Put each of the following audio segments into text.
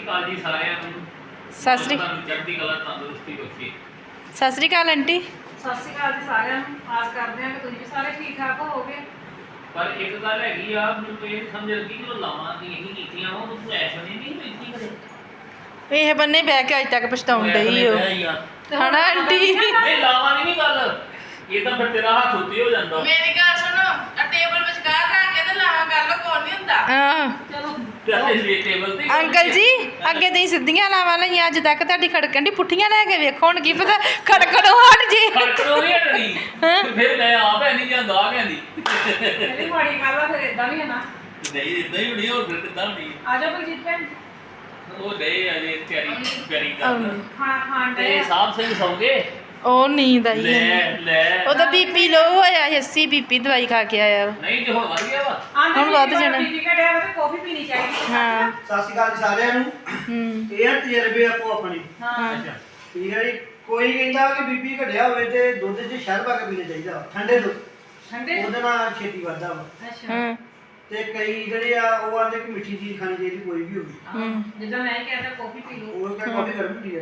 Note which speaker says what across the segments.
Speaker 1: ਅਕਾਲ ਜੀ ਸਾਰਿਆਂ ਨੂੰ।
Speaker 2: ਸਤਿ ਸ੍ਰੀ
Speaker 1: ਤੁਹਾਨੂੰ ਚੜ੍ਹਦੀ ਕਲਾ ਤੰਦਰੁਸਤੀ ਬਖਸ਼ੇ।
Speaker 2: ਸਤਿ ਸ੍ਰੀ ਅਕਾਲ ਆਂਟੀ।
Speaker 3: ਸਤਿ ਸ਼੍ਰੀ ਅਕਾਲ ਜੀ ਸਾਰਿਆਂ ਨੂੰ। ਆਸ ਕਰਦੇ ਹਾਂ ਕਿ ਤੁਸੀਂ ਵੀ ਸਾਰੇ ਠੀਕ ਠਾਕ ਹੋਵੋਗੇ।
Speaker 1: ਪਰ ਇੱਕ ਗੱਲ ਹੈਗੀ ਆ, ਮੈਨੂੰ ਇਹ ਸਮਝ ਲੱਗੀ ਕਿ ਉਹ ਲਾਵਾਂ ਦੀ ਇਹੀ ਕੀਤੀਆਂ ਵਾ, ਉਹ ਤੂੰ ਐਸਾ ਨਹੀਂ ਵੇਖੀ ਕਦੇ।
Speaker 2: ਇਹ ਬੰਨੇ ਬਹਿ ਕੇ ਅੱਜ ਤੱਕ ਪਛਤਾਉਣ ਡਈ ਓ ਹਨਾ ਆਂਟੀ।
Speaker 1: ਨਹੀਂ ਲਾਵਾਂ ਦੀ ਨਹੀਂ ਗੱਲ, ਇਹ ਤਾਂ ਫਿਰ ਤੇਰਾ ਹੱਥ ਉੱਤੇ ਹੋ ਜਾਂਦਾ।
Speaker 4: ਮੇਰੀ ਗੱਲ ਸੁਣੋ, ਆ ਟੇਬਲ ਵਿਚਕਾਰ ਰੱਖ ਕੇ ਤੇ ਲਾਵਾਂ ਕਰ ਲੋ, ਕੋਈ ਨਹੀਂ ਹੁੰਦਾ।
Speaker 2: ਹਾਂ
Speaker 3: ਚਲੋ
Speaker 1: ਤੇ ਟੇਬਲ ਤੇ
Speaker 2: ਅੰਕਲ ਜੀ ਅੱਗੇ ਤੁਸੀਂ ਸਿੱਧੀਆਂ ਲਾਵਾਂ ਲਈਆਂ, ਅੱਜ ਤੱਕ ਤੁਹਾਡੀ ਖੜਕਣ ਦੀ ਪੁੱਠੀਆਂ ਲੈ ਕੇ ਵੇਖੋ, ਹੁਣ ਕੀ ਪਤਾ ਖੜਕਣੋਂ ਹਟ ਜੇ।
Speaker 1: ਖੜਕਣੋਂ ਨਹੀਂ ਹਟਣੀ, ਫਿਰ ਮੈਂ ਆਪ ਹੈ ਨਹੀਂ ਜਾਂਦਾ ਆ ਕਹਿੰਦੀ।
Speaker 3: ਇਹ ਮਾੜੀ ਗੱਲ ਆ, ਫਿਰ ਇਦਾਂ ਵੀ ਹੈ ਨਾ।
Speaker 1: ਨਹੀਂ ਇਦਾਂ ਹੀ ਹੋਣੀ, ਹੋਰ ਫਿਰ ਕਿੱਦਾਂ ਹੋਣੀ।
Speaker 3: ਆ ਜਾਓ ਬਲਜੀਤ ਭੈਣ,
Speaker 1: ਉਹ ਨਹੀਂ ਅਜੇ ਤਿਆਰੀ ਕਰਦਾ
Speaker 3: ਖਾਣਾ ਖਾਣ
Speaker 1: ਤੇ
Speaker 3: ਦੇ।
Speaker 1: ਸਾਹਿਬ ਸਿੰਘ ਸੌਂਗੇ।
Speaker 2: ਉਹ ਨੀਂਦ ਆਈ
Speaker 1: ਲੈ
Speaker 2: ਹੈ।
Speaker 1: ਲੈ
Speaker 2: ਉਹਦਾ ਬੀਪੀ ਲੋ ਹੋਇਆ 80 ਬੀਪੀ ਦਵਾਈ ਖਾ ਕੇ ਆਇਆ ਵਾ।
Speaker 1: ਨਹੀਂ ਤੇ ਹੁਣ ਵੱਧ ਗਿਆ ਵਾ।
Speaker 2: ਹੁਣ ਵੱਧ ਜਾਣਾ।
Speaker 3: ਬੀਪੀ ਘਟਿਆ ਵਾ ਤੇ ਕਾਫੀ ਪੀਣੀ ਚਾਹੀਦੀ।
Speaker 2: ਹਾਂ
Speaker 5: ਸਤਿ ਸ਼੍ਰੀ ਅਕਾਲ ਜੀ ਸਾਰਿਆਂ ਨੂੰ। ਇਹ ਆ ਤਜਰਬੇ ਆਪੋ ਆਪਣੇ।
Speaker 3: ਹਾਂ
Speaker 1: ਅੱਛਾ
Speaker 5: ਠੀਕ ਹੈ ਜੀ। ਕੋਈ ਕਹਿੰਦਾ ਕਿ ਬੀਪੀ ਘਟਿਆ ਹੋਵੇ ਤੇ ਦੁੱਧ 'ਚ ਸ਼ਹਿਦ ਪਾ ਕੇ ਪੀਣਾ ਚਾਹੀਦਾ, ਠੰਡੇ ਦੁੱਧ,
Speaker 3: ਠੰਡੇ।
Speaker 5: ਉਹਦੇ ਨਾਲ ਛੇਤੀ ਵੱਧਦਾ ਵਾ।
Speaker 3: ਅੱਛਾ
Speaker 2: ਹਾਂ
Speaker 5: ਤੇ ਕਈ ਜਿਹੜੇ ਆ ਉਹ ਆਂਦੇ ਕਿ ਮਿੱਠੀ ਚੀਜ਼ ਖਾਣੀ ਚਾਹੀਦੀ, ਕੋਈ ਵੀ ਹੋਵੇ।
Speaker 3: ਜਿੱਦਾਂ ਮੈਂ ਕਹਿੰਦਾ ਕਾਫੀ ਪੀ ਲਓ।
Speaker 5: ਉਹ ਕਹਿੰਦਾ ਕਾਫੀ ਗਰਮ ਹੁੰਦੀ ਹੈ।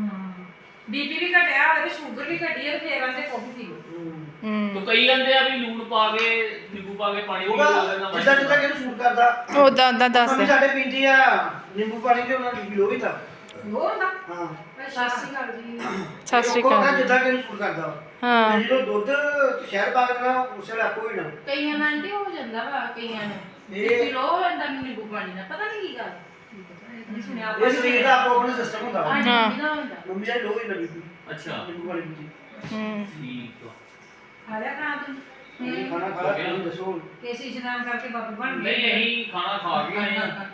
Speaker 3: ਬੀਪੀ ਵੀ ਘਟਿਆ ਹੋਵੇ ਤੇ ਸ਼ੂਗਰ ਵੀ ਘਟੀ ਹੈ ਤੇ ਫੇਰ ਆਂਦੇ ਕਾਫੀ ਪੀ ਲਓ।
Speaker 1: ਤੋ ਕਈ ਕਹਿੰਦੇ ਆ ਵੀ ਲੂਣ ਪਾ ਕੇ ਨਿੰਬੂ ਪਾ ਕੇ ਪਾਣੀ ਪੀ ਲਓ, ਉਹਦੇ ਨਾਲ
Speaker 5: ਜਿੱਦਾਂ ਜਿੱਦਾਂ ਕਿਹਨੂੰ ਸੂਟ ਕਰਦਾ।
Speaker 2: ਉਦਾਂ ਦੱਸ।
Speaker 5: ਮੰਮੀ ਸਾਡੇ ਪੀਂਦੀ ਆ ਨਿੰਬੂ ਪਾਣੀ ਤੇ ਉਹਨਾਂ ਦੀ ਲੋ ਵੀ ਤਾਂ।
Speaker 3: ਹੋਰ ਨਾ।
Speaker 5: ਹਾਂ
Speaker 3: ਸਤਿ ਸ਼੍ਰੀ ਅਕਾਲ ਜੀ।
Speaker 2: ਸਤਿ ਸ੍ਰੀ
Speaker 5: ਉਹ ਕਹਿੰਦਾ
Speaker 2: ਅਕਾਲ।
Speaker 5: ਜਿੱਦਾਂ ਕਿਹਨੂੰ ਸੂਟ ਕਰਦਾ ਵਾ।
Speaker 2: ਹਾਂ
Speaker 5: ਤੇ ਜਦੋਂ ਦੁੱਧ ਤੇ ਸ਼ਹਿਦ ਪਾ ਕੇ ਦੇਣਾ ਉਸੇ ਵੇਲੇ ਆਪੋ ਹੀ ਨਾ।
Speaker 4: ਕਈਆਂ ਨਾਲ ਆਂਟੀ ਹੋ ਜਾਂਦਾ ਵਾ, ਕਈਆਂ ਨੂੰ
Speaker 5: ਇਹ-
Speaker 4: ਬੀਪੀ ਲੋ ਹੋ ਜਾਂਦਾ, ਨਿੰਬੂ ਪਾਣੀ ਨਾਲ, ਪਤਾ ਨਹੀਂ ਕੀ ਗੱਲ।
Speaker 3: ਨਹੀਂ ਸੁਣਿਆ
Speaker 5: ਇਹ ਸਰੀਰ ਦਾ ਆਪੋ ਆਪਣਾ ਸਿਸਟਮ ਹੁੰਦਾ ਵਾ।
Speaker 4: ਹਾਂਜੀ
Speaker 2: ਹਾਂ।
Speaker 4: ਕਿਹਦਾ ਹੁੰਦਾ।
Speaker 5: ਮੰਮੀ ਦਾ ਲੋ ਹੀ ਨਾ ਬੀਬੀ
Speaker 1: ਅੱਛਾ
Speaker 5: ਨਿੰਬੂ ਪਾਣੀ ਪੀਂਦੀ।
Speaker 1: ਠੀਕ ਆ।
Speaker 3: ਖਾ ਲਿਆ ਖਾਣਾ ਤੂੰ?
Speaker 5: ਇਹ ਖਾਣਾ ਖਾ ਲਿਆ, ਤੁਸੀਂ ਦੱਸੋ ਹੁਣ।
Speaker 3: ਕੇਸੀ ਇਸ਼ਨਾਨ ਕਰਕੇ ਬਾਬੇ ਬਣ ਗਏ।
Speaker 1: ਨਹੀਂ ਅਸੀਂ ਖਾਣਾ ਖਾ ਕੇ ਆਏ ਆ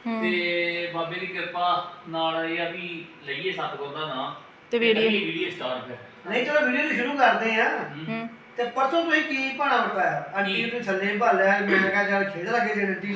Speaker 1: ਤੇ ਬਾਬੇ ਦੀ ਕਿਰਪਾ ਨਾਲ ਇਹ ਆ ਵੀ ਲਈਏ ਸਤਿਗੁਰ ਦਾ ਨਾਮ
Speaker 2: ਤੇ ਵੀਡੀਓ
Speaker 1: ਵੀਡੀਓ ਸਟਾਰ ਫਿਰ।
Speaker 5: ਨਹੀਂ ਚਲੋ ਵੀਡੀਓ ਸ਼ੁਰੂ ਕਰਦੇ ਆ। ਤੇ ਪਰਸੋਂ ਤੁਸੀਂ ਕੀ ਭਾਣਾ ਵਟਾਇਆ? ਆਂਟੀ ਨੂੰ ਥੱਲੇ ਭਾਲਿਆ, ਮੈਂ ਕਿਹਾ ਚੱਲ ਖੇਡ ਲੱਗੇ ਜੇ ਆਂਟੀ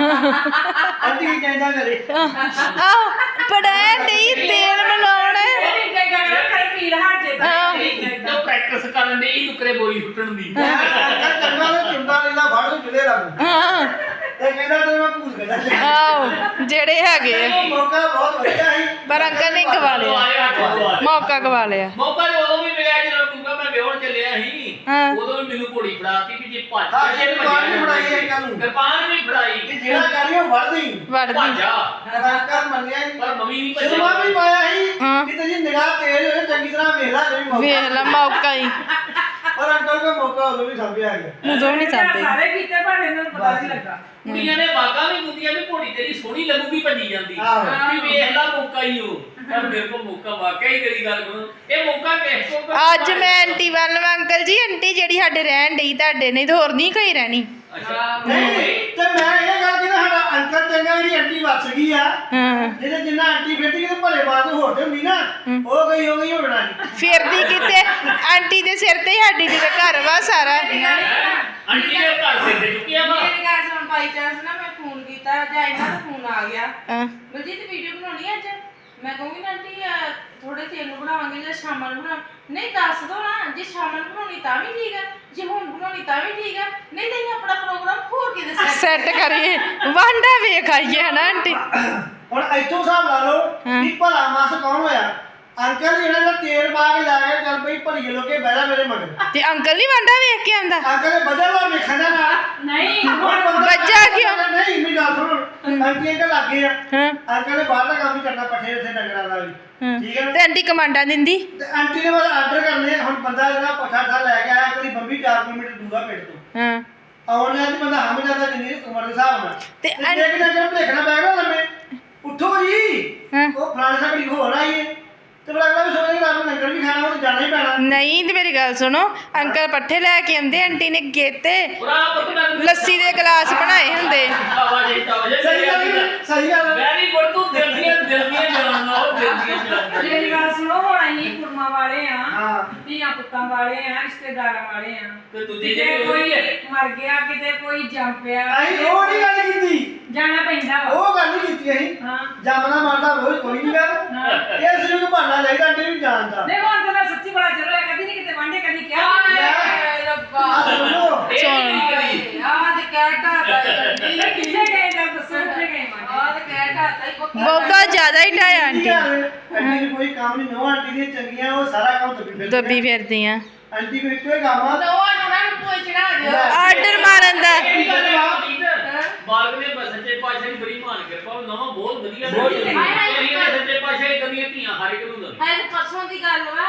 Speaker 5: ਆਂਟੀ ਕੀ ਕਹਿੰਦਾ ਕਰੇ।
Speaker 2: ਆਹ ਪੜਾਇਆ ਨਹੀਂ ਤੇਲ ਮਿਲਾਉਣ।
Speaker 3: ਇਹ ਵੀ ਇੱਦਾਂ ਹੀ ਕਰਦਾ, ਕਰ ਪੀੜ ਹਟ ਜੇ ਤਾਂ ਠੀਕ ਹੈ
Speaker 1: ਤਾਂ ਪ੍ਰੈਕਟਿਸ ਕਰਨ ਦੇ ਹੀ ਨੁਕਰੇ ਬੋਲੀ ਫੁੱਟਣ ਦੀ।
Speaker 5: ਚੰਗਾ ਨੇ ਚੁੰਡਾ ਲੈਂਦਾ ਫੜ ਨੂੰ ਚੁਲੇ ਲੱਗ
Speaker 2: ਹਾਂ
Speaker 5: ਤੇ ਕਹਿੰਦਾ ਤੇ ਮੈਂ ਭੂਲ ਗਿਆ।
Speaker 2: ਆਹੋ ਜਿਹੜੇ ਹੈਗੇ ਆ।
Speaker 5: ਇਹ ਮੌਕਾ ਬਹੁਤ ਵਧੀਆ ਸੀ।
Speaker 2: ਪਰ ਅੰਕਲ ਨੇ ਗਵਾ ਲਿਆ, ਮੌਕਾ ਗਵਾ ਲਿਆ।
Speaker 1: ਮੌਕਾ ਤੇ ਉਦੋਂ ਵੀ ਮਿਲਿਆ ਜਦੋਂ ਤੂੰ ਮੈਂ ਵਿਆਹਣ ਚੱਲਿਆ ਸੀ।
Speaker 2: ਹਾਂ।
Speaker 1: ਉਦੋਂ ਵੀ ਮੈਨੂੰ ਘੋੜੀ ਫੜਾਤੀ ਵੀ ਜੇ ਭੱਜ
Speaker 5: ਹਾਂ, ਇਹ ਕਿਰਪਾਨ ਵੀ ਫੜਾਈ ਅੰਕਲ ਨੂੰ।
Speaker 1: ਕਿਰਪਾਨ ਵੀ ਫੜਾਈ
Speaker 5: ਕਿ ਜਿਹੜਾ ਕਰੀਓ ਵੜਦੀ
Speaker 2: ਵੜਦੀ
Speaker 1: ਭਾਜਾ।
Speaker 5: ਅੰਕਲ ਮੰਨਿਆ ਨਹੀਂ।
Speaker 1: ਪਰ ਮੰਮੀ ਨਹੀਂ
Speaker 5: ਸ਼ਰਮਾ ਵੀ
Speaker 1: ਭੱਜਿਆ।
Speaker 5: ਪਾਇਆ ਸੀ
Speaker 2: ਹਾਂ।
Speaker 5: ਕਿ ਤੇਰੀ ਨਿਗਾਹ ਤੇਜ਼ ਹੋਵੇ, ਚੰਗੀ ਤਰ੍ਹਾਂ ਵੇਖ ਲੈ ਜਿਹੜੀ ਮੌਕਾ।
Speaker 2: ਵੇਖ ਲੈ ਮੌਕਾ ਹੀ
Speaker 5: ਪਰ ਅੰਕਲ ਕੋ ਮੌਕਾ ਉਦੋਂ ਵੀ ਸਾਂਭਿਆ ਗਿਆ।
Speaker 2: ਉਦੋਂ ਨਹੀਂ ਚਾਹਤੇ।
Speaker 3: ਸਾਰੇ ਕੀਤੇ ਪਰ ਇਹਨਾਂ ਨੂੰ ਪਤਾ ਨਹੀਂ ਲੱਗਾ।
Speaker 1: ਕੁੜੀਆਂ ਨੇ ਵਾਗਾ ਵੀ ਮੁੰਦੀਆਂ ਵੀ ਘੋੜੀ ਤੇਰੀ ਸੋਹਣੀ ਲੱਗੂਗੀ ਭੱਜੀ ਜਾਂਦੀ।
Speaker 5: ਆਹੋ।
Speaker 1: ਵੀ ਵੇਖ ਲਾ ਮੌਕਾ ਹੀ ਉਹ। ਪਰ ਮੇਰੇ ਕੋਲ ਮੌਕਾ ਵਾਕਿਆ ਹੀ ਤੇਰੀ ਗੱਲ ਕਰੋ। ਇਹ ਮੌਕਾ ਕਿਸ ਕੋਲ
Speaker 2: ਅੱਜ ਮੈਂ ਆਂਟੀ ਵੱਲ ਵਾਂ, ਅੰਕਲ ਜੀ ਆਂਟੀ ਜਿਹੜੀ ਸਾਡੇ ਰਹਿਣ ਡਈ ਤੁਹਾਡੇ ਨਹੀਂ ਤੇ ਹੋਰ ਨਹੀਂ ਕੋਈ ਰਹਿਣੀ।
Speaker 1: ਅੱਛਾ
Speaker 5: ਨਹੀਂ ਤੇ ਮੈਂ ਇਹ ਗੱਲ ਕਿਹਾ ਸਾਡਾ ਅੰਕਲ ਚੰਗਾ ਜਿਹੜੀ ਆਂਟੀ ਵੱਸ ਗਈ ਆ।
Speaker 2: ਹਾਂ
Speaker 5: ਜਿਹਦੇ ਜਿੰਨਾ ਆਂਟੀ ਫਿਰਦੀ ਤੇ ਭਲੇ ਬਾਤ ਹੋਰ ਤੇ ਹੁੰਦੀ ਨਾ, ਉਹ ਗਈ ਹੋਣਾ ਨਹੀਂ।
Speaker 2: ਫਿਰਦੀ ਕਿਤੇ ਆਂਟੀ ਦੇ ਸਿਰ ਤੇ ਹੀ ਸਾਡੀ ਜਿਹਦੇ ਘਰ ਵਾ ਸਾਰਾ।
Speaker 1: ਆਂਟੀ ਦੇ ਘਰ ਸਿਰ ਤੇ ਚੁੱਕਿਆ ਵਾ।
Speaker 4: ਮੇਰੀ ਗੱਲ ਸੁਣ, ਬਾਈ ਚਾਂਸ ਨਾ ਮੈਂ ਫੋਨ ਕੀਤਾ ਜਾਂ ਇਹਨਾਂ ਦਾ ਫੋਨ ਆ ਗਿਆ,
Speaker 2: ਹਾਂ
Speaker 4: ਬਲਜੀਤ ਵੀਡੀਓ ਬਣਾਉਣੀ ਅੱਜ। ਮੈਂ ਕਹੂੰਗੀ ਨਾ ਆਂਟੀ ਥੋੜੇ ਚਿਰ ਨੂੰ ਬਣਾਵਾਂਗੇ ਜਾਂ ਸ਼ਾਮਾਂ ਨੂੰ ਬਣਾ। ਨਹੀਂ ਦੱਸ ਦੋ ਨਾ, ਜੇ ਸ਼ਾਮਾਂ ਨੂੰ ਬਣਾਉਣੀ ਤਾਂ ਵੀ ਠੀਕ ਆ, ਜੇ ਹੁਣ ਬਣਾਉਣੀ ਤਾਂ ਵੀ ਠੀਕ ਆ। ਨਹੀਂ ਤਾਂ ਅਸੀਂ ਆਪਣਾ ਪ੍ਰੋਗਰਾਮ ਹੋਰ ਕਿਤੇ
Speaker 2: ਸੈੱਟ ਕਰੀਏ, ਵਾਂਡਾ ਵੇਖ ਆਈਏ ਹਨਾ ਆਂਟੀ।
Speaker 5: ਹੁਣ ਇੱਥੋਂ ਹਿਸਾਬ ਲਾ ਲਓ ਕਿ ਭਲਾ ਮਾਸ ਕੌਣ ਹੋਇਆ। ਅੰਕਲ ਜਿਹੜਾ ਦਾ ਤੇਲ ਪਾ ਕੇ ਲਾ ਕੇ ਚੱਲ ਪਈ ਭਲੀਏ ਲੋਕੇ ਬਹਿਦਾ ਮੇਰੇ ਮਗਰ।
Speaker 2: ਤੇ ਅੰਕਲ ਨਹੀਂ ਵਾਂਡਾ ਵੇਖ ਕੇ ਆਂਦਾ।
Speaker 5: ਅੰਕਲ ਨੇ ਬਦਲ ਵਾ ਵੇਖਣ ਦਾ ਨਾਲ।
Speaker 3: ਨਹੀਂ
Speaker 5: ਹੁਣ ਬੰਦਾ
Speaker 2: ਬੱਚਾ ਕਿਉਂ?
Speaker 5: ਨਹੀਂ ਮੇਰੀ ਗੱਲ ਸੁਣ, ਆਂਟੀ ਅੰਕਲ ਲੱਗੇ ਆ।
Speaker 2: ਹਾਂ
Speaker 5: ਅੰਕਲ ਨੇ ਬਾਹਰ ਦਾ ਕੰਮ ਵੀ ਕਰਨਾ, ਪੱਠੇ ਉੱਥੇ ਡੰਗਰਾਂ ਦਾ ਵੀ। ਠੀਕ ਹੈ ਨਾ।
Speaker 2: ਤੇ ਆਂਟੀ ਕਮਾਂਡਾਂ ਦਿੰਦੀ।
Speaker 5: ਤੇ ਆਂਟੀ ਨੇ ਬਸ ਆਰਡਰ ਕਰਨੇ। ਹੁਣ ਬੰਦਾ ਜਿਹੜਾ ਪੱਠਾ ਠਾ ਲੈ ਕੇ ਆਇਆ, ਕੋਈ ਬੰਬੀ 4 ਕਿਲੋਮੀਟਰ ਦੂਰਾ ਪਿੰਡ ਤੋਂ
Speaker 2: ਹਾਂ
Speaker 5: ਆਉਣ ਲਿਆ ਤੇ ਬੰਦਾ ਹਮ ਜਾਂਦਾ ਜਿੰਨੀ ਉਮਰ ਦੇ ਹਿਸਾਬ ਨਾਲ।
Speaker 2: ਤੇ
Speaker 5: ਤੇ ਇੱਕ ਦਿਨ ਜਦ ਦੇਖਣਾ ਪੈ ਗਿਆ ਲੰਮੇ ਉੱਠੋ ਜੀ,
Speaker 2: ਹਾਂ।
Speaker 5: ਉਹ ਫਲਾਣੇ ਸਾਡੀ ਹੋਰ ਆਈ ਹੈ ਤੇ ਫਿਰ ਅਗਲਾ ਵੀ ਸੋਚੇ ਕਿ ਰਾਤ ਨੂੰ ਲੰਗਰ ਵੀ ਖਾਣਾ, ਉਹ ਤਾਂ ਜਾਣਾ ਹੀ ਪੈਣਾ।
Speaker 2: ਨਹੀਂ ਤੇ ਮੇਰੀ ਗੱਲ ਸੁਣੋ, ਅੰਕਲ ਪੱਠੇ ਲੈ ਕੇ ਆਉਂਦੇ, ਆਂਟੀ ਨੇ ਗੇਤੇ
Speaker 1: ਪੂਰਾ ਪੱਕਾ
Speaker 2: ਲੱਸੀ ਦੇ ਗਲਾਸ ਬਣਾਏ ਹੁੰਦੇ।
Speaker 5: ਸਹੀ ਗੱਲ ਹੈ, ਸਹੀ ਗੱਲ ਹੈ।
Speaker 1: Very good. ਤੂੰ ਦਿਲ ਦੀਆਂ ਜਾਣਦਾ, ਉਹ ਦਿਲ ਦੀਆਂ ਜਾਣਦਾ।
Speaker 3: ਮੇਰੀ ਗੱਲ ਸੁਣੋ, ਹੁਣ ਅਸੀਂ ਕੁੜਮਾ ਵਾਲੇ ਆ,
Speaker 5: ਹਾਂ।
Speaker 3: ਧੀਆਂ ਪੁੱਤਾਂ ਵਾਲੇ ਆ, ਰਿਸ਼ਤੇਦਾਰਾਂ ਵਾਲੇ ਆ।
Speaker 1: ਤੇ ਦੂਜੀ
Speaker 3: ਕਿਤੇ
Speaker 1: ਜਿਹੜੀ
Speaker 3: ਕੋਈ
Speaker 1: ਹੋਈ ਹੈ।
Speaker 3: ਮਰ ਗਿਆ, ਕਿਤੇ ਕੋਈ ਜੰਮ ਪਿਆ,
Speaker 5: ਅਸੀਂ ਉਹ ਨਹੀਂ ਗੱਲ ਕੀਤੀ,
Speaker 3: ਜਾਣਾ ਪੈਂਦਾ ਵਾ।
Speaker 5: ਉਹ ਗੱਲ ਨਹੀਂ ਕੀਤੀ ਅਸੀਂ।
Speaker 3: ਹਾਂ
Speaker 5: ਜੰਮਦਾ ਮਰਦਾ ਕੋਈ ਨਹੀਂ ਗੱਲ।
Speaker 3: ਹਾਂ।
Speaker 5: ਇਹ ਸਿਰਫ ਬਹਾਨਾ ਚਾਹੀਦਾ ਆਂਟੀ ਨੂੰ ਜਾਣਦਾ।
Speaker 3: ਦੇਖੋ ਹੁਣ ਤਾਂ ਸੱਚੀ ਬੜਾ ਜ਼ਰੂਰ ਹੈ, ਕਦੀ ਨਹੀਂ ਕਿਤੇ ਵਾਂਢੇ ਕਦੀ ਕਿਹਾ
Speaker 4: ਹਾਏ ਰੱਬਾ,
Speaker 5: ਆ ਸੁਣੋ,
Speaker 1: ਇਹ ਨਹੀਂ ਕਰੀ।
Speaker 4: ਆਹ ਤੇ ਕਹਿ ਢਾਤਾ
Speaker 3: ਕਿੱਥੇ ਗਏ ਜਾਂ ਦੱਸੋ ਕਿੱਥੇ ਗਏ ਮਾਂ?
Speaker 4: ਆਹ ਤੇ ਕਹਿ ਢਾਤਾ ਹੀ ਪੱਕਾ।
Speaker 2: ਬਹੁਤਾ ਜ਼ਿਆਦਾ ਜ਼ਿਆਦਾ ਹੀ ਢਾਇਆ ਆਂਟੀ
Speaker 5: ਆਂਟੀ ਨੂੰ ਕੋਈ ਕੰਮ ਨਹੀਂ ਨੋ ਆਂਟੀ ਦੀਆਂ ਚੰਗੀਆਂ ਉਹ ਸਾਰਾ ਕੰਮ
Speaker 2: ਦੱਬੀ ਫਿਰਦੀਆਂ
Speaker 5: ਆਂਟੀ ਕੋਈ ਇੱਕੋ ਹੀ ਕੰਮ ਆ
Speaker 4: ਉਹਨਾਂ ਨੂੰ ਕੋਈ ਚੜਾ ਦਿਓ
Speaker 2: ਆਰਡਰ ਮਾਰਨ ਦਾ
Speaker 1: ਇਹ ਗੱਲ ਹੈ ਬਾਲਕ ਨੇ ਸੱਚੇ ਪਾਤਸ਼ਾਹ ਦੀ ਬੜੀ ਮਾਨ ਕਿਰਪਾ ਉਹ ਨਵਾਂ ਬਹੁਤ ਵਧੀਆ
Speaker 5: ਬਹੁਤ
Speaker 1: ਚੱਲੀ
Speaker 5: ਵਧੀਆ।
Speaker 1: ਇਹ ਨੇ ਸੱਚੇ ਪਾਤਸ਼ਾਹ ਇਹ ਕਦੀਆਂ ਧੀਆਂ ਹਰ ਇੱਕ ਨੂੰ ਦਿੰਦੇ
Speaker 4: ਹਾਏ ਤੇ ਪਰਸੋਂ ਦੀ ਗੱਲ ਵਾ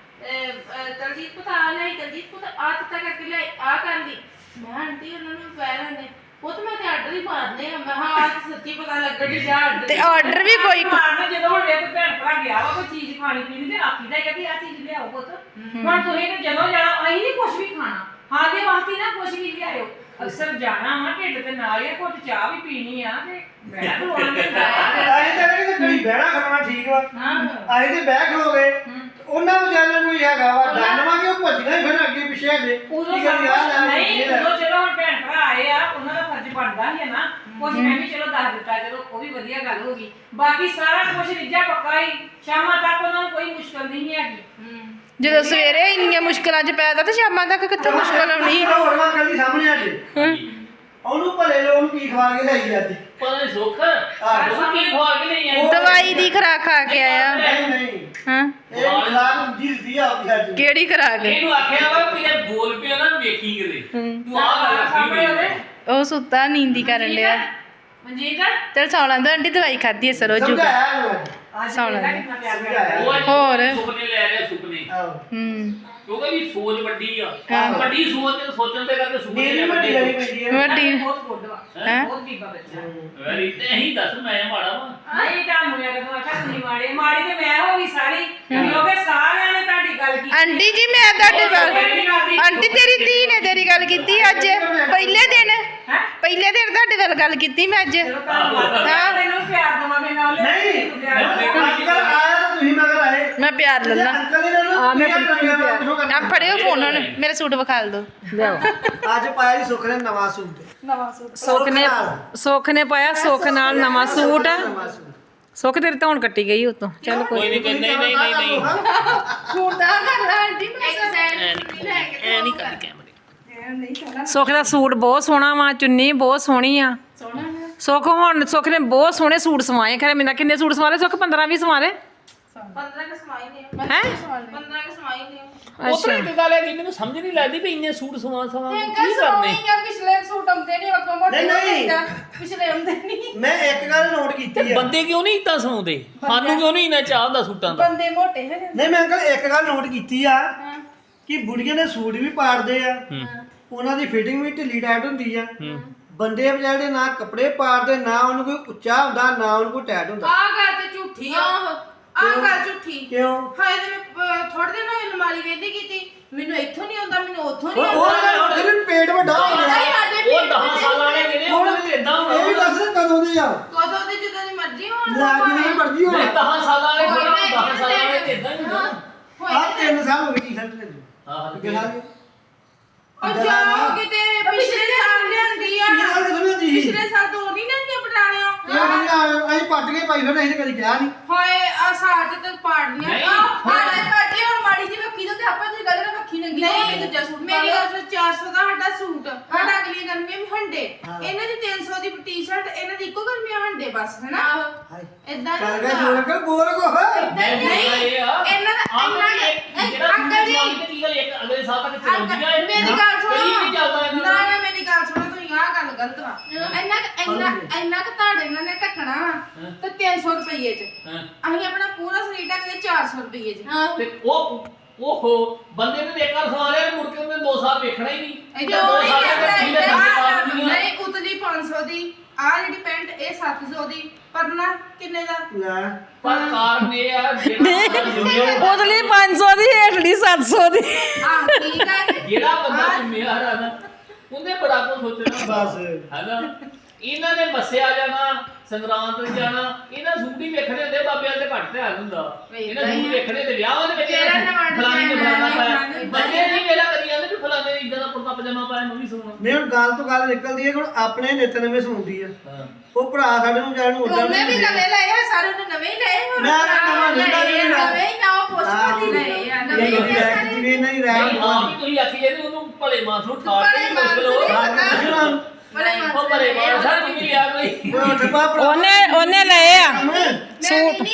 Speaker 4: ਦਲਜੀਤ ਪਤਾ ਨਹੀਂ ਦਲਜੀਤ ਪੁੱਤ ਆ ਤੱਕ ਕਰਕੇ ਲੈ ਆ ਕਰ ਲਈ ਮੈਂ ਆਂਟੀ ਉਹਨਾਂ ਨੂੰ ਪੈਰਾਂ ਨੇ ਉਹ ਤਾਂ ਮੈਂ ਤੇ ਆਰਡਰ ਹੀ ਮਾਰਨੇ ਆ ਮੈਂ ਹਾਂ ਅੱਜ ਸੱਚੀ ਪਤਾ ਲੱਗਣ ਦੀ ਜਾ ਆਰਡਰ
Speaker 2: ਤੇ ਆਰਡਰ ਵੀ ਕੋਈ
Speaker 3: ਮਾਰਨਾ ਜਦੋਂ ਹੁਣ ਵੇਖ ਭੈਣ ਭਰਾ ਗਿਆ ਵਾ ਕੋਈ ਚੀਜ਼ ਖਾਣੀ ਪੀਣੀ ਤੇ ਆਖੀਦਾ ਕਿ ਆ ਚੀਜ਼ ਲਿਆਓ ਪੁੱਤ ਹੁਣ ਤੁਸੀਂ ਤੇ ਜਦੋਂ ਜਾਣਾ ਅਸੀਂ ਨਹੀਂ ਕੁਝ ਵੀ ਖਾਣਾ ਹਾਂ ਦੇ ਵਾਸਤੇ ਨਾ ਕੁਝ ਵੀ ਲਿਆਇਓ ਅਕਸਰ ਜਾਣਾ ਵਾ ਢਿੱਡ ਤੇ ਨਾਲ ਹੀ ਘੁੱਟ ਚਾਹ ਵੀ ਪੀਣੀ ਆ ਤੇ ਬੈਠ ਖਲੋਣਾ ਨਹੀਂ
Speaker 5: ਆਏ ਤਾਂ ਨਹੀਂ ਕਿ ਕੜੀ ਬਹਿਣਾ ਖੜਨਾ ਠੀਕ ਵਾ ਆਏ ਤੇ ਬਹਿ ਖਲੋਗੇ ਉਹਨਾਂ ਵਿਚਾਰਿਆਂ ਨੂੰ ਕੋਈ ਹੈਗਾ ਵਾ ਡਰਨਵਾ ਕਿ ਉਹ ਭੱਜਣਾ ਹੀ ਫਿਰ ਅੱਗੇ ਪਿੱਛੇ ਹੈਗੇ
Speaker 3: ਉਦੋਂ ਨਹੀਂ ਉਦੋਂ ਚਲੋ ਹੁਣ ਭੈਣ ਭਰਾ ਆਏ ਆ ਉਹਨਾਂ ਦਾ ਫਰਜ਼ ਬਣਦਾ ਹੀ ਹੈ ਨਾ ਕੁਝ ਮੈਂ ਵੀ ਚਲੋ ਦੱਸ ਦਿੱਤਾ ਚਲੋ ਉਹ ਵੀ ਵਧੀਆ ਗੱਲ ਹੋ ਗਈ ਬਾਕੀ ਸਾਰਾ ਕੁਝ ਰਿੱਜਾ ਪੱਕਾ ਹੀ ਸ਼ਾਮਾਂ ਤੱਕ ਉਹਨਾਂ ਨੂੰ ਕੋਈ ਮੁਸ਼ਕਲ ਨਹੀਂ ਹੈਗੀ
Speaker 2: ਜਦੋਂ ਸਵੇਰੇ ਇੰਨੀਆਂ ਮੁਸ਼ਕਲਾਂ 'ਚ ਪੈਦਾ ਤੇ ਸ਼ਾਮਾਂ ਤੱਕ ਕਿੱਥੇ ਮੁਸ਼ਕਲ ਆਉਣੀ
Speaker 5: ਹੋਰ ਵਾ ਕੱਲੀ ਸਾਹਮਣੇ ਆ ਜੇ ਉਹਨੂੰ ਭਲੇ ਲੋ ਉਹਨੂੰ ਕੀ ਖਵਾ ਕੇ ਲਿਆਈ ਅੱਜ
Speaker 1: ਪਤਾ ਨਹੀਂ ਸੁੱਖ ਉਹ ਕੀ ਖਵਾ ਕੇ ਨਹੀਂ ਆਈ
Speaker 2: ਦਵਾਈ ਦੀ ਖੁਰਾਕ ਖਾ ਕੇ ਆਇਆ
Speaker 5: ਨਹੀਂ ਨਹੀਂ
Speaker 2: ਹਾਂ
Speaker 5: ਇਹ ਖਲਾਕ ਜੀ ਦੀ ਆਪਦੀ ਅੱਜ
Speaker 2: ਕਿਹੜੀ ਖੁਰਾਕ
Speaker 1: ਇਹਨੂੰ ਆਖਿਆ ਵਾ ਕਿ ਜੇ ਬੋਲ ਪਿਆ ਨਾ ਵੇਖੀ ਕਿਤੇ ਤੂੰ ਆਹ ਗੱਲ
Speaker 3: ਸਾਹਮਣੇ ਉਹਦੇ
Speaker 2: ਉਹ ਸੁੱਤਾ ਨੀਂਦੀ ਕਰਨ ਡਿਆ
Speaker 3: ਮਨਜੀਤ
Speaker 2: ਚਲ ਸੌਣਾ ਤਾਂ ਆਂਟੀ ਦਵਾਈ ਖਾਧੀ ਐ ਸਰੋ ਜੂ
Speaker 5: ਸਮਝਾਇਆ ਇਹਨੂੰ ਅੱਜ
Speaker 3: ਅੱਜ
Speaker 2: ਸੌਣਾ
Speaker 3: ਦੇਖਦਾ ਕਿੰਨਾ ਪਿਆਰ
Speaker 5: ਸਮਝਾਇਆ।
Speaker 3: ਕਰਦਾ
Speaker 2: ਹੋਰ।
Speaker 1: ਸੁਪਨੇ ਲੈ ਰਿਹਾ ਸੁਪਨੇ
Speaker 5: ਆਹੋ
Speaker 1: ਕਿਉਂਕਿ ਵੀ ਸੋਚ ਵੱਡੀ ਆ
Speaker 2: ਆਹੋ।
Speaker 1: ਵੱਡੀ ਸੋਚ ਤੇ ਸੋਚਣ ਦੇ ਕਰਕੇ ਸੁਪਨੇ
Speaker 5: ਨੀਂਦ ਵੀ ਵੱਡੀ ਲੈਣੀ ਪੈਂਦੀ ਹੈ
Speaker 2: ਵੱਡੀ
Speaker 3: ਬਹੁਤ ਗੁੱਡ ਵਾ
Speaker 2: ਹੈਂ?
Speaker 3: ਬਹੁਤ ਬੀਬਾ ਬੱਚਾ
Speaker 1: ਵੈਰੀ ਤੇ ਅਸੀਂ ਦੱਸ ਮੈਂ ਮਾੜਾ ਵਾ
Speaker 3: ਨਹੀਂ ਤੁਹਾਨੂੰ ਮੈਂ ਕਦੋਂ ਆਖਿਆ ਤੁਸੀਂ ਮਾੜੇ ਮਾੜੀ ਤੇ ਮੈਂ ਹੋ ਗਈ ਸਾਰੀ ਕਿਉਂਕਿ ਸਾਰਿਆਂ ਨੇ ਤੁਹਾਡੀ ਗੱਲ ਕੀਤੀ
Speaker 2: ਆਂਟੀ ਜੀ ਮੈਂ ਤੁਹਾਡੇ ਵੱਲ ਆਂਟੀ ਤੇਰੀ ਧੀ ਨੇ ਤੇਰੀ ਗੱਲ ਕੀਤੀ ਅੱਜ ਪਹਿਲੇ ਦਿਨ
Speaker 3: ਹੈ
Speaker 2: ਪਹਿਲੇ ਦਿਨ ਤੁਹਾਡੇ ਵੱਲ ਗੱਲ ਕੀਤੀ ਮੈਂ ਅੱਜ
Speaker 3: ਚਲੋ ਧੰਨਵਾਦ
Speaker 2: ਹਾਂ।
Speaker 3: ਤੈਨੂੰ ਪਿਆਰ ਦਵਾਂ ਮੈਂ ਨਾਲ
Speaker 5: ਨਹੀਂ ਅੱਜ ਕੱਲ ਆਇਆ ਤਾਂ ਤੁਸੀਂ ਮਗਰ ਆਏ
Speaker 2: ਮੈਂ ਪਿਆਰ
Speaker 5: ਜੇ
Speaker 2: ਲੱਲਾ
Speaker 5: ਅੰਕਲ ਹੀ ਨਾ
Speaker 2: ਆ ਫੜਿਓ ਫੋਨ ਹੁਣ ਮੇਰਾ ਸੂਟ ਵਿਖਾ ਦੋ
Speaker 5: ਅੱਜ ਪਾਇਆ ਜੀ ਸੁੱਖ ਨੇ ਨਵਾਂ ਸੂਟ
Speaker 3: ਸੁੱਖ ਨੇ ਪਾਇਆ ਸੁੱਖ ਨਾਲ ਨਵਾਂ ਸੂਟ
Speaker 5: ਨਵਾਂ ਸੂਟ
Speaker 3: ਸੁੱਖ ਤੇਰੀ ਧੌਣ ਕੱਟੀ ਗਈ ਉਤੋਂ ਚੱਲ
Speaker 1: ਕੋਈ ਨਹੀਂ ਨਹੀਂ ਨਹੀਂ ਨਹੀਂ ਨਹੀਂ
Speaker 2: ਸੂਟ ਦਾ ਕਰ ਲੈ ਆਂਟੀ
Speaker 4: ਇੱਕ ਸਾਈਡ ਲੈ ਕੇ
Speaker 1: ਐ ਨਹੀਂ ਕਰਦੀ ਕੈਮਰੇ
Speaker 3: ਸੁੱਖ ਦਾ ਸੂਟ ਬਹੁਤ ਸੋਹਣਾ ਵਾ ਚੁੰਨੀ ਬਹੁਤ ਸੋਹਣੀ ਆ ਸੁੱਖ ਹੁਣ ਸੁੱਖ ਨੇ ਬਹੁਤ ਸੋਹਣੇ ਸੂਟ ਸਵਾਏ ਖਰੇ ਮੈਨੂੰ ਕਿੰਨੇ ਸੂਟ ਸਵਾਲੇ ਸੁੱਖ 15 20 ਸਵਾਲੇ
Speaker 4: 15 ਕੇ ਸਮਾਈ ਨੇ
Speaker 3: ਹੈ
Speaker 4: 15 ਕੇ ਸਮਾਈ ਨੇ
Speaker 1: ਉਤਰੇ ਇੱਕ ਗੱਲ ਹੈ ਕਿ ਮੈਨੂੰ ਸਮਝ ਨਹੀਂ ਲੱਗਦੀ ਵੀ ਇੰਨੇ ਸੂਟ ਸਵਾ ਸਵਾ ਕੀ ਕਰਨੇ
Speaker 2: ਪਿਛਲੇ ਸੂਟ ਆਉਂਦੇ ਨਹੀਂ ਵਕੋ ਮੋਟੇ
Speaker 5: ਨਹੀਂ।
Speaker 2: ਪਿਛਲੇ ਆਉਂਦੇ ਨਹੀਂ
Speaker 5: ਮੈਂ ਇੱਕ ਗੱਲ ਨੋਟ ਕੀਤੀ ਆ
Speaker 1: ਬੰਦੇ ਕਿਉਂ ਨਹੀਂ ਇਦਾਂ ਸਵਾਉਂਦੇ ਸਾਨੂੰ ਕਿਉਂ ਨਹੀਂ ਇੰਨਾ ਚਾਹ ਹੁੰਦਾ ਸੂਟਾਂ ਦਾ
Speaker 2: ਬੰਦੇ ਮੋਟੇ ਹੈ
Speaker 5: ਨਹੀਂ ਮੈਂ ਅੰਕਲ ਇੱਕ ਗੱਲ ਨੋਟ ਕੀਤੀ ਆ ਕਿ ਬੁੜੀਆਂ ਦੇ ਸੂਟ ਵੀ ਪਾੜਦੇ ਆ ਉਹਨਾਂ ਦੀ ਫਿਟਿੰਗ ਵੀ ਢਿੱਲੀ ਟਾਈਟ ਹੁੰਦੀ ਆ ਬੰਦੇ ਵਿਚਾਰੇ ਨਾ ਕੱਪੜੇ ਪਾੜਦੇ ਨਾ ਉਹਨੂੰ ਕੋਈ ਉੱਚਾ ਹੁੰਦਾ ਨਾ ਉਹਨੂੰ ਕੋਈ ਟਾਈਟ ਹੁੰਦਾ
Speaker 4: ਆ ਗੱਲ ਤੇ ਝੂਠੀ ਆ ਆ ਗੱਲ ਝੂਠੀ
Speaker 5: ਕਿਉਂ
Speaker 4: ਹਾਏ ਤੇ ਮੈਂ ਥੋੜੇ ਦਿਨ ਹੋਏ ਅਲਮਾਰੀ ਵੇਖਦੀ ਕੀਤੀ ਮੈਨੂੰ ਇੱਥੋਂ ਨਹੀਂ ਆਉਂਦਾ ਮੈਨੂੰ ਉੱਥੋਂ ਨਹੀਂ
Speaker 5: ਉਹ
Speaker 4: ਆਉਂਦਾ
Speaker 5: ਫਿਰ ਪੇਟ ਵੱਡਾ ਹੋ ਗਿਆ
Speaker 1: ਉਹ 10 ਸਾਲਾਂ ਵਾਲੇ ਜਿਹੜੇ ਉਹਨਾਂ ਦੇ ਇਦਾਂ
Speaker 5: ਇਹ ਵੀ ਦੱਸ ਕਦੋਂ ਦੇ ਆ
Speaker 4: ਕਦੋਂ ਦੇ ਜਦੋਂ ਦੀ ਮਰਜ਼ੀ ਹੋਣ
Speaker 5: ਲੈ ਜਿਵੇਂ ਮਰਜ਼ੀ ਹੋਣ
Speaker 1: 10 ਸਾਲਾਂ ਵਾਲੇ ਜਿਹੜੇ 10 ਸਾਲਾਂ ਵਾਲੇ ਤੇ ਇਦਾਂ ਹੀ ਹੁੰਦਾ
Speaker 5: ਆ 3 ਸਾਲ ਹੋ ਗਏ ਟੀ-ਸ਼ਰਟ ਲੈ ਜੀ
Speaker 1: ਹਾਂ
Speaker 5: ਕਿਹੜਾ
Speaker 4: ਉਹ ਜਾਓ ਕਿਤੇ ਪਿਛਲੇ ਸਾਲ ਲਿਆਂਦੀ ਆ
Speaker 5: ਇਹ ਗੱਲ ਸੁਣੋ ਜੀ
Speaker 4: ਪਿਛਲੇ ਸਾਲ ਤੋਂ ਨਹੀਂ ਲੈਂਦੀਆਂ ਪਟਾਲਿਆਂ
Speaker 5: ਇਹ ਅਸੀਂ ਪੱਟ ਕੇ ਪਾਈ ਫਿਰ ਅਸੀਂ ਕਦੀ ਕਿਹਾ ਨਹੀਂ
Speaker 4: ਹਾਏ ਆ ਸਾਜ ਤੇ ਪਾੜਨੀਆਂ
Speaker 1: ਨਹੀਂ।
Speaker 4: ਪਾੜੇ ਪਾੜੇ ਹੁਣ ਮਾੜੀ ਜੀ ਰੱਖੀ ਤੇ ਆਪਾਂ ਤੇ ਗੱਲ ਰੱਖੀ ਨੰਗੀ ਨਹੀਂ ਦੂਜਾ ਸੂਟ ਮੇਰੀ ਗੱਲ ਸੁਣ 400 ਦਾ ਸਾਡਾ ਸੂਟ ਸਾਡਾ ਅਗਲੀਆਂ ਗਰਮੀਆਂ ਵੀ ਹੰਡੇ ਇਹਨਾਂ ਦੀ 300 ਦੀ ਟੀ-ਸ਼ਰਟ ਇਹਨਾਂ ਦੀ ਇੱਕੋ ਗਰਮੀਆਂ ਹੰਡੇ ਬਸ ਹੈਨਾ
Speaker 5: ਹਾਏ
Speaker 4: ਇਦਾਂ
Speaker 5: ਚੱਲ ਗਿਆ ਜੋਰ ਕਰ ਬੋਲ ਕੋ
Speaker 1: ਮੈਂ
Speaker 4: ਨਹੀਂ
Speaker 1: ਇਹ ਆ
Speaker 4: ਇਹਨਾਂ ਦਾ
Speaker 1: ਜਿਹੜਾ
Speaker 4: ਅੰਕਲ ਜੀ
Speaker 1: ਕੀ ਗੱਲ ਇੱਕ ਅਗਲੇ ਸਾਲ ਤੱਕ ਚੱਲਦੀ ਆ
Speaker 4: ਮੇਰੀ ਗੱਲ ਸੁਣੋ
Speaker 1: ਕਦੀ ਵੀ ਚੱਲਦਾ ਇਹਨਾਂ
Speaker 4: ਨਾ ਨਾ ਮੇਰੀ ਗੱਲ ਸੁਣੋ ਤੁਸੀਂ ਆਹ ਗੱਲ ਗਲਤ ਵਾ ਇੰਨਾ ਕਿ ਤੁਹਾਡੇ ਇਹਨਾਂ ਨੇ ਢੱਕਣਾ ਵਾ ਤੇ 300 ਰੁਪਏ ਚ ਅਸੀਂ ਆਪਣਾ ਪੂਰਾ ਸਰੀਰ ਢੱਕਦੇ 400 ਰੁਪਏ ਚ
Speaker 1: ਤੇ ਓਹੋ ਬੰਦੇ ਨੇ ਇੱਕ ਵਾਰ ਸਵਾ ਲਿਆ ਮੁੜ ਕੇ ਉਹਨੇ 2 ਸਾਲ ਵੇਖਣਾ ਹੀ ਨਹੀਂ
Speaker 4: ਕਿਉਂ
Speaker 1: ਦੋ
Speaker 4: ਨਹੀਂ
Speaker 1: ਸਾਲ ਤੱਕ
Speaker 4: ਕਰਦਾ
Speaker 1: ਕੀ ਲੈ ਜਾਂਦੇ
Speaker 4: ਨਹੀਂ ਉਤਲੀ 500 ਦੀ ਆ ਜਿਹੜੀ ਪੈਂਟ ਇਹ 700 ਦੀ ਪਰਨਾ ਕਿੰਨੇ ਦਾ
Speaker 5: ਲੈ
Speaker 1: ਪਰ ਕਾਰਨ ਇਹ ਆ ਜਿਹੜਾ
Speaker 3: ਉਤਲੀ 500 ਦੀ ਹੇਠਲੀ 700 ਦੀ
Speaker 4: ਆ ਠੀਕ ਆ
Speaker 1: ਜਿਹੜਾ ਬੰਦਾ ਜ਼ਿੰਮੇਵਾਰ ਆ ਨਾ ਉਹਨੇ ਬੜਾ ਕੁਝ ਸੋਚਣਾ
Speaker 5: ਬਸ
Speaker 1: ਹੈਨਾ ਇਹਨਾਂ ਨੇ ਮੱਸਿਆ ਜਾਣਾ ਸੰਗਰਾਂਦ ਤੇ ਜਾਣਾ ਇਹਨਾਂ ਸੂਟ ਹੀ ਵੇਖਣੇ ਹੁੰਦੇ ਬਾਬਿਆਂ ਤੇ ਘੱਟ ਧਿਆਨ ਹੁੰਦਾ ਇਹਨਾਂ ਸੂਟ ਵੇਖਣੇ ਤੇ ਵਿਆਹਾਂ ਦੇ ਵਿੱਚ ਫਲਾਣੇ ਨੇ ਫਲਾਣਾ ਪਾਇਆ ਬੱਚੇ ਨਹੀਂ ਵੇਲਾ ਕਰੀ ਜਾਂਦੇ ਵੀ ਫਲਾਣੇ ਨੇ ਇਦਾਂ ਦਾ ਕੁੜਤਾ ਪਜਾਮਾ ਪਾਇਆ ਮੈਂ ਵੀ ਸੋਣਾ
Speaker 5: ਨਹੀਂ ਹੁਣ ਗੱਲ ਤੋਂ ਗੱਲ ਨਿਕਲਦੀ ਹੈ ਕਿ ਹੁਣ ਆਪਣੇ ਨਿੱਤ ਨਵੇਂ ਸੁਣਦੀ ਆ ਉਹ ਭਰਾ ਸਾਡੇ ਨੂੰ ਜਾਣ ਨੂੰ ਉਦਾਂ
Speaker 4: ਉਹਨੇ ਵੀ ਨਵੇਂ ਲਏ ਆ ਸਾਰੇ ਨੇ ਨਵੇਂ ਹੀ ਲਏ ਹੁਣ
Speaker 5: ਮੈਂ ਤਾਂ ਨਵਾਂ ਲੈਂਦਾ ਵੀ ਨਹੀਂ ਨਾ।
Speaker 4: ਨਵੇਂ ਹੀ ਨਾ ਉਹ ਪੁੱਛਦੀ ਲਏ ਆ ਨਵੇਂ ਹੀ ਲਏ ਸਾਰੇ
Speaker 5: ਜਿਵੇਂ ਨਹੀਂ ਰਹਿ
Speaker 1: ਆਪ ਹੀ ਤੁਸੀਂ ਆਖੀ ਜਾਂਦੇ ਉਹਨੂੰ ਭਲੇ ਮਾਸ ਨੂੰ ਠਾੜ
Speaker 4: ਭਲੇ
Speaker 1: ਕੇ
Speaker 4: ਮਾਨਸ
Speaker 1: ਮੁਸ਼ਕਲ ਹੋ
Speaker 4: ਨਹੀਂ
Speaker 1: ਉਹ ਭਲੇ ਮਾਸ ਨਹੀਂ ਲਿਆ ਕੋਈ
Speaker 5: ਉਹ ਠੱਪਾ ਭਰਾ
Speaker 3: ਉਹਨੇ ਲਏ ਆ
Speaker 5: ਮੈਂ
Speaker 3: ਸੂਟ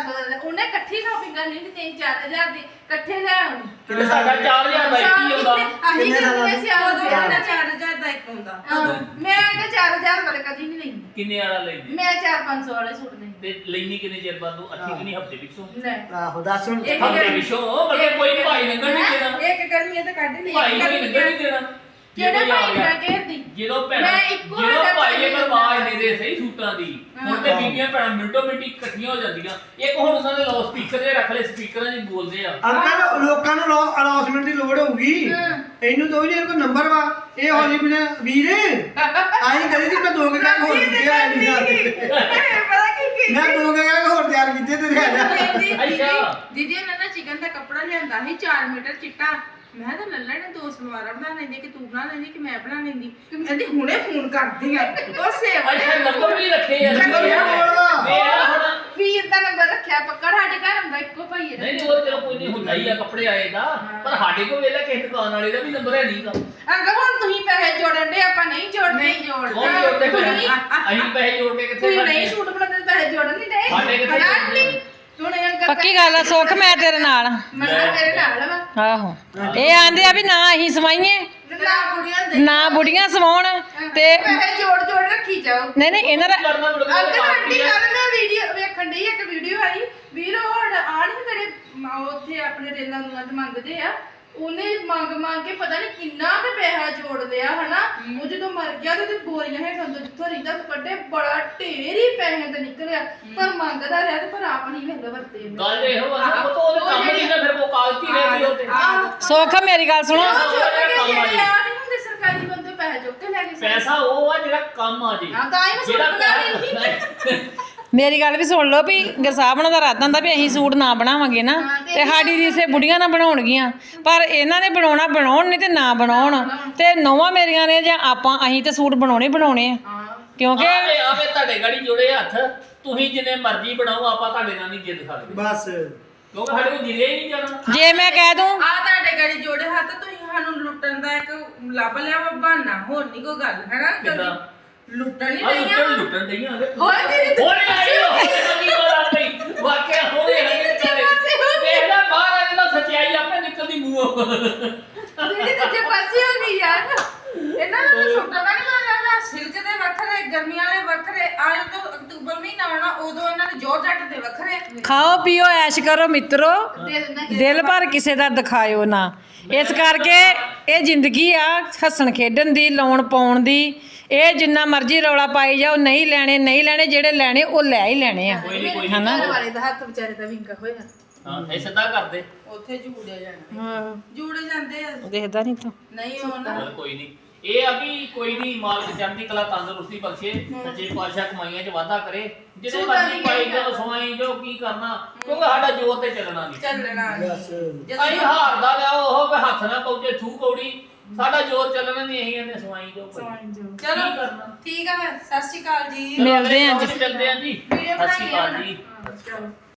Speaker 4: ਉਹਨੇ ਇਕੱਠੀ ਸ਼ਾਪਿੰਗ ਕਰਨੀ ਤੇ 3-4 ਹਜ਼ਾਰ ਦੀ ਇਕੱਠੇ ਲੈ ਆਉਣੀ
Speaker 1: ਕਿਤੇ ਸਾਡਾ 4000 ਦਾ ਇੱਕ ਹੀ ਆਉਂਦਾ
Speaker 4: ਅਸੀਂ
Speaker 5: ਕਿੰਨੇ ਸਾਲਾਂ
Speaker 4: ਕਿੰਨੇ ਸਿਆਲ
Speaker 5: ਦਾ?
Speaker 4: ਦੇ
Speaker 5: ਹਾਂ।
Speaker 4: 4000 ਦਾ ਇੱਕ ਹੁੰਦਾ ਮੈਂ ਤਾਂ 4000 ਵਾਲੇ ਕਦੀ ਨਹੀਂ ਲੈਂਦੀ
Speaker 1: ਕਿੰਨੇ ਵਾਲਾ ਲੈਂਦੀ
Speaker 4: ਮੈਂ 4-500 ਵਾਲੇ ਸੂਟ ਨਹੀਂ
Speaker 1: ਤੇ ਲੈਣੀ ਕਿੰਨੇ ਚਿਰ ਬਾਅਦ ਨੂੰ ਅੱਠੀ ਕਿ ਨਹੀਂ ਹਫਤੇ ਪਿੱਛੋਂ
Speaker 4: ਨਹੀਂ
Speaker 5: ਆਹੋ ਦੱਸ ਹੁਣ
Speaker 4: ਇੱਕ
Speaker 1: ਹਫਤੇ ਪਿੱਛੋਂ ਮਤਲਬ ਕੋਈ ਭਾਈ ਲੰਗਣ ਨਹੀਂ ਦੇਣਾ
Speaker 4: ਇੱਕ ਗਰਮੀਆਂ ਤਾਂ ਕੱਢ ਲਈ
Speaker 1: ਭਾਈ ਕੋਈ ਲੰਗਣ ਨਹੀਂ ਦੇਣਾ
Speaker 4: ਕਿਹੜਾ
Speaker 1: ਜਦੋਂ ਆ
Speaker 4: ਭਾਈ
Speaker 1: ਗਿਆ।
Speaker 4: ਮੈਂ ਘੇਰਦੀ
Speaker 1: ਜਦੋਂ ਭੈਣਾਂ
Speaker 4: ਮੈਂ ਇੱਕੋ
Speaker 1: ਜਦੋਂ
Speaker 4: ਵਾਰ
Speaker 1: ਭਾਈ ਇਹ
Speaker 4: ਕੱਪੜੇ
Speaker 1: ਆਵਾਜ਼ ਦੇ ਦੇ ਸਹੀ ਸੂਟਾਂ ਦੀ ਹੁਣ ਤੇ
Speaker 5: ਹਾਂ।
Speaker 1: ਬੀਬੀਆਂ ਭੈਣਾਂ ਮਿੰਟੋ ਮਿੰਟੀ ਇਕੱਠੀਆਂ ਹੋ ਜਾਂਦੀਆਂ ਇੱਕ ਹੁਣ ਉਹਨਾਂ ਨੇ ਲਾਉ ਸਪੀਕਰ ਦੇ ਰੱਖ ਲਏ ਸਪੀਕਰਾਂ 'ਚ ਬੋਲਦੇ ਆ
Speaker 5: ਅੰਕਲ ਲੋਕਾਂ ਨੂੰ ਅਨਾਉਂਸਮੈਂਟ ਦੀ ਲੋੜ ਹੋਊਗੀ ਇਹਨੂੰ ਦੋ ਜੇ ਕੋਈ ਨੰਬਰ ਵਾ ਇਹ ਹੋ ਜੀ ਬਿਨਾ ਵੀਰ ਆਈ ਕਰੀ ਦੀ ਮੈਂ 2 ਘੰਟੇ ਹੋਰ ਦਿੱਤੇ ਆ
Speaker 4: ਪਤਾ ਕੀ
Speaker 5: ਮੈਂ 2 ਘੰਟੇ ਹੋਰ ਤਿਆਰ ਕੀਤੇ ਤੇ ਆ ਜਾ
Speaker 4: ਦੀਦੀ ਉਹਨਾਂ ਨੇ ਚਿਕਨ ਦਾ ਕੱਪੜਾ ਲਿਆਂਦਾ ਸੀ 4 ਮੀਟਰ ਚਿੱਟਾ ਮੈਂ ਤਾਂ ਲੱਲਾ ਨੇ 2 ਸਲਵਾਰਾਂ ਬਣਾ ਲੈਂਦੀ ਕਿ ਤੂੰ ਬਣਾ ਲੈਂਦੀ ਕਿ ਮੈਂ ਬਣਾ ਲੈਂਦੀ ਕਹਿੰਦੀ ਹੁਣੇ ਫੋਨ ਕਰਦੀ ਆ ਉਹ ਸੇਵ
Speaker 1: ਅੱਛਾ ਨੰਬਰ ਵੀ ਰੱਖੇ ਆ
Speaker 5: ਨੰਬਰ ਵੀ ਬੋਲਦਾ।
Speaker 1: ਮੇਰਾ ਹੁਣ
Speaker 4: ਵੀਰ ਦਾ ਨੰਬਰ ਰੱਖਿਆ ਪੱਕਾ ਸਾਡੇ ਘਰ ਹੁੰਦਾ ਇੱਕੋ ਭਾਈ ਹੈ
Speaker 1: ਨਹੀਂ ਉਹ ਚਲੋ ਕੋਈ ਨਹੀਂ ਹੁੰਦਾ ਹੀ ਆ ਕੱਪੜੇ ਆਏ ਦਾ ਪਰ ਸਾਡੇ ਕੋਲ ਵੇਲੇ ਕਿਸੇ ਦੁਕਾਨ ਵਾਲੇ ਦਾ ਵੀ ਨੰਬਰ ਹੈ ਨਹੀਂਗਾ
Speaker 4: ਅੰਕਲ ਹੁਣ ਤੁਸੀਂ ਪੈਸੇ ਜੋੜਨ ਦੇ ਆਪਾਂ ਨਹੀਂ ਜੋੜਦੇ ਨਹੀਂ
Speaker 1: ਕੌਣ ਜੋੜਦੇ ਪੈਸੇ ਅਸੀਂ ਪੈਸੇ ਜੋੜ ਕੇ ਕਿੱਥੇ
Speaker 4: ਤੁਸੀਂ
Speaker 1: ਬਣਨੇ
Speaker 4: ਨਹੀਂ ਸੂਟ ਬਣਾਉਂਦੇ ਪੈਸੇ ਜੋੜਨ ਨਹੀਂ ਦੇ
Speaker 1: ਸਾਡੇ ਕਿੱਥੇ ਜੋੜਨੇ?
Speaker 4: ਹੁਣ ਅੰਕਲ
Speaker 2: ਪੱਕੀ ਗੱਲ ਆ ਸੁੱਖ ਮੈਂ ਤੇਰੇ ਨਾਲ
Speaker 4: ਮੰਨਾ ਤੇਰੇ ਨਾਲ ਵਾ
Speaker 2: ਆਹੋ ਇਹ ਆਂਦੇ ਆ ਵੀ ਨਾ ਅਸੀਂ ਸਵਾਈਏ
Speaker 4: ਨਾ ਕੁੜੀਆਂ ਦੇ
Speaker 2: ਨਾ ਬੁੜੀਆਂ ਸਵਾਉਣ ਤੇ
Speaker 4: ਪੈਸੇ ਜੋੜ ਰੱਖੀ ਜਾਓ
Speaker 2: ਨਹੀਂ ਨਹੀਂ ਇਹਨਾਂ ਦਾ
Speaker 1: ਕਰਨਾ ਮੁੜ ਕੇ
Speaker 4: ਅੰਕਲ ਆਂਟੀ ਕੱਲ ਮੈਂ ਵੀਡੀਓ ਵੇਖਣ ਡਈ ਇੱਕ ਵੀਡੀਓ ਆਈ ਵੀਰ ਉਹ ਆਣ ਤੇਰੇ ਉੱਥੇ ਆਪਣੇ ਰੇਲਾਂ ਨੂੰ ਮੰਗਦੇ ਆ ਉਹਨੇ ਮੰਗ ਕੇ ਪਤਾ ਨਹੀਂ ਕਿੰਨਾ ਤੇ ਪੈਸਾ ਜੋੜ ਲਿਆ ਹਨਾ ਉਹ ਜਦੋਂ ਮਰ ਗਿਆ ਤੇ ਉਹਦੀ ਬੋਰੀਆਂ ਹੈਠਾਂ ਤੋਂ ਜਿੱਥੋਂ ਰੀਦਾ ਕੱਢੇ ਬੜਾ ਢੇਰ ਹੀ ਪੈਸੇ ਤੇ ਨਿਕਲਿਆ ਪਰ ਮੰਗਦਾ ਰਿਹਾ ਤੇ ਪਰ ਆਪ ਨਹੀਂ ਵੇਲੇ ਵਰਤੇ ਇਹਨੇ।
Speaker 1: ਗੱਲ ਇਹੋ ਆ ਨਾ ਉਹ ਤਾਂ ਉਹਦੇ ਕੰਮ ਨਹੀਂ ਨਾ ਫਿਰ ਉਹ ਕਾਗਜ਼ੀ ਰਹਿ ਗਈ ਉਹ ਤੇ
Speaker 2: ਸੁੱਖ ਮੇਰੀ ਗੱਲ ਸੁਣੋ
Speaker 4: ਉਹ ਚੁੱਕ ਕੇ
Speaker 1: ਕੰਮ ਆ
Speaker 4: ਜਿਹੜੇ
Speaker 1: ਜੀ।
Speaker 4: ਆ ਨਹੀਂ ਹੁੰਦੇ ਸਰਕਾਰੀ ਬੰਦੇ ਪੈਸੇ ਚੁੱਕ ਕੇ ਲੈ ਗਏ
Speaker 1: ਪੈਸਾ ਉਹ ਆ ਜਿਹੜਾ ਕੰਮ ਆ ਜੀ
Speaker 4: ਹਾਂ ਤਾਂ ਹੀ ਮੈਂ ਸੂਟ
Speaker 1: ਜਿਹੜਾ
Speaker 4: ਬਣਾ ਲੈਂਦੀ
Speaker 2: ਮੇਰੀ ਗੱਲ ਵੀ ਸੁਣ ਲਓ ਵੀ ਗਸਾਬਣਾ ਦਾ ਇਰਾਦਾ ਹੁੰਦਾ ਵੀ ਅਸੀਂ ਸੂਟ ਨਾ ਬਣਾਵਾਂਗੇ ਨਾ ਤੇ ਸਾਡੀ ਰੀਸੇ ਬੁੜੀਆਂ ਨਾ ਬਣਾਉਣਗੀਆਂ ਪਰ ਇਹਨਾਂ ਨੇ ਬਣਾਉਣ ਨਹੀਂ ਤੇ ਨਾ ਬਣਾਉਣ ਤੇ ਨੌਵਾਂ ਮੇਰੀਆਂ ਨੇ ਜਾਂ ਅਸੀਂ ਤੇ ਸੂਟ ਬਣਾਉਣੇ ਆ ਕਿਉਂਕਿ
Speaker 1: ਆਵੇ ਤੁਹਾਡੇ ਗਾੜੀ ਜੋੜੇ ਹੱਥ ਤੁਸੀਂ ਜਿੰਨੇ ਮਰਜ਼ੀ ਬਣਾਓ ਆਪਾਂ ਤੁਹਾਡੇ ਨਾਲ ਨਹੀਂ ਜਿੱਦ ਸਕਦੇ
Speaker 5: ਬਸ
Speaker 1: ਕਿਉਂਕਿ ਸਾਡੇ ਕੋਲ ਜਿਰੇ ਹੀ ਨਹੀਂ ਜਾਣਾ
Speaker 2: ਜੇ ਮੈਂ ਕਹਿ ਦੂੰ
Speaker 4: ਆ ਤੁਹਾਡੇ ਗਾੜੀ ਜੋੜੇ ਹੱਥ ਤੁਸੀਂ ਸਾਨੂੰ ਲੁੱਟਣ ਦਾ ਇੱਕ ਲੱਭ ਲਿਆ ਵਾ ਬਹਾਨਾ ਹੋਰ ਨਹੀਂ ਕੋਈ ਗੱਲ ਹੈਨਾ
Speaker 1: ਕਿੱਦਾਂ?
Speaker 4: ਲੁੱਟਣ ਨਹੀਂ
Speaker 1: ਆ
Speaker 4: ਦਈਆਂ
Speaker 1: ਲੁੱਟਣ ਦਈਆਂ
Speaker 4: ਹੋਰ ਦੀਦੀ ਤੂੰ
Speaker 1: ਹੋਰੇ ਆਈ ਹੋਰੇ ਕੀ ਗੱਲ ਆ ਗਈ ਵਾਕਿਆ ਹੋਰੇ ਦੇਖ ਲੈ ਬਾਹਰ ਆ ਜਾਂਦਾ ਸੱਚਾਈ ਆਪੇ ਨਿਕਲਦੀ ਮੂੰਹੋਂ
Speaker 4: ਦੀਦੀ ਦੂਜੇ ਪਾਸੇ ਹੋ ਗਈ ਯਾਰ ਇਹਨਾਂ ਨੂੰ ਤਾਂ ਸੁੱਟਣਾ ਨਹੀਂ ਲੱਗਦਾ ਸਿਲਕ ਦੇ ਵੱਖਰੇ ਗਰਮੀਆਂ ਵਾਲੇ ਵੱਖਰੇ ਆ ਜਦੋਂ ਅਕਤੂਬਰ ਮਹੀਨਾ ਆਉਣਾ ਉਦੋਂ ਇਹਨਾਂ ਦੇ ਜੋਰ ਜੱਟ ਦੇ ਵੱਖਰੇ
Speaker 2: ਖਾਓ ਪੀਓ ਐਸ਼ ਕਰੋ ਮਿੱਤਰੋ
Speaker 4: ਦਿਲ ਨਾ
Speaker 2: ਦਿਲ ਭਰ ਕਿਸੇ ਦਾ ਦਿਖਾਇਓ ਨਾ ਇਸ ਕਰਕੇ ਇਹ ਜ਼ਿੰਦਗੀ ਆ ਹੱਸਣ ਖੇਡਣ ਦੀ ਲਾਉਣ ਪਾਉਣ ਦੀ ਇਹ ਜਿੰਨਾ ਮਰਜ਼ੀ ਰੌਲਾ ਪਾਈ ਜਾਓ ਨਹੀਂ ਲੈਣੇ ਜਿਹੜੇ ਲੈਣੇ ਉਹ ਲੈ ਹੀ ਲੈਣੇ ਆ
Speaker 1: ਕੋਈ ਨਹੀਂ
Speaker 2: ਹਨਾ
Speaker 4: ਘਰ ਵਾਲੇ ਦਾ ਹੱਥ ਵਿਚਾਰੇ ਦਾ ਵਿੰਗਾ ਹੋਇਆ
Speaker 1: ਹਾਂ ਇਹ ਸਿੱਧਾ ਕਰਦੇ
Speaker 4: ਉੱਥੇ ਜੂੜੇ ਜਾਣਾ ਜੂੜੇ ਜਾਂਦੇ ਆ
Speaker 2: ਦੇਖਦਾ ਨਹੀਂ ਤੂੰ
Speaker 4: ਨਹੀਂ ਉਹ ਨਾ
Speaker 1: ਚੱਲ ਕੋਈ ਨਹੀਂ ਇਹ ਆ ਵੀ ਕੋਈ ਨਹੀਂ ਮਾਲਕ ਚੜ੍ਹਦੀ ਕਲਾ ਤੰਦਰੁਸਤੀ ਬਖਸ਼ੇ ਸੱਚੇ ਪਾਤਸ਼ਾਹ ਕਮਾਈਆਂ 'ਚ ਵਾਧਾ ਕਰੇ ਜਿਹਦੇ ਮਰਜ਼ੀ ਪਾਈ ਜਾਓ ਸਵਾਈ ਜਾਓ ਕੀ ਕਰਨਾ ਕਿਉਂਕਿ ਸਾਡਾ ਜੋਰ ਤੇ ਚੱਲਣਾ ਨਹੀਂ
Speaker 4: ਚੱਲਣਾ
Speaker 5: ਬਸ
Speaker 1: ਅਸੀਂ ਹਾਰਦਾ ਲਿਆਓ ਉਹ ਵੀ ਹੱਥ ਨਾ ਪਹੁੰਚੇ ਥੂ ਕੌੜੀ ਸਾਡਾ ਜੋਰ ਚੱਲਣਾ ਨਹੀਂ ਅਸੀਂ ਇਹਨੇ ਸਵਾਈ ਜਾਓ
Speaker 4: ਚਲੋ
Speaker 1: ਕਰਨਾ
Speaker 4: ਠੀਕ ਆ ਫਿਰ ਸਤਿ ਸ਼੍ਰੀ ਅਕਾਲ ਜੀ
Speaker 2: ਮਿਲਦੇ ਆਂ ਜੀ।
Speaker 1: ਮਿਲਦੇ ਆਂ ਜੀ
Speaker 4: ਵੀਡੀਓ
Speaker 1: ਸਤਿ ਸ਼੍ਰੀ
Speaker 4: ਬਣਾਈਏ
Speaker 1: ਅਕਾਲ
Speaker 4: ਹੁਣ।
Speaker 1: ਜੀ
Speaker 4: ਚਲੋ